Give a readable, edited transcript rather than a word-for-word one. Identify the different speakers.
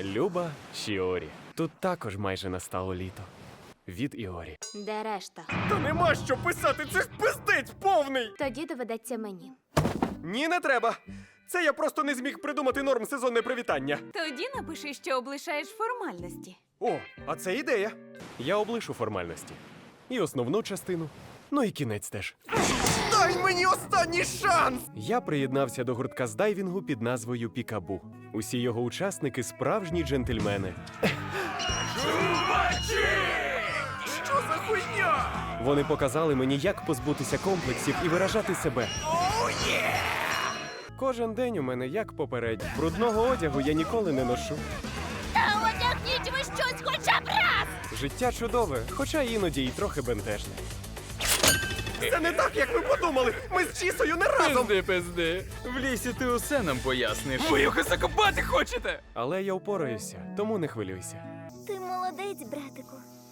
Speaker 1: Люба Шіорі. Тут також майже настало літо. Від Іорі.
Speaker 2: Де решта?
Speaker 1: Та нема що писати, це ж пиздець повний!
Speaker 2: Тоді доведеться мені.
Speaker 1: Ні, не треба. Це я просто не зміг придумати норм сезонне привітання.
Speaker 3: Тоді напиши, що облишаєш формальності.
Speaker 1: О, а це ідея. Я облишу формальності. І основну частину. Ну і кінець теж. Дай мені останній шанс! Я приєднався до гуртка з дайвінгу під назвою Пікабу. Усі його учасники справжні джентльмени. Чувачі! Що за хуйня? Вони показали мені, як позбутися комплексів і виражати себе. Кожен день у мене як попередній. Брудного одягу я ніколи не ношу.
Speaker 2: Та одягніть ви щось хоча б раз!
Speaker 1: Життя чудове, хоча іноді й трохи бентежне. Це не так, як ви подумали! Ми з Чісою не разом!
Speaker 4: Пизди. В лісі ти усе нам поясниш. Ви його закопати хочете?
Speaker 1: Але я впораюся, тому не хвилюйся.
Speaker 2: Ти молодець, братику.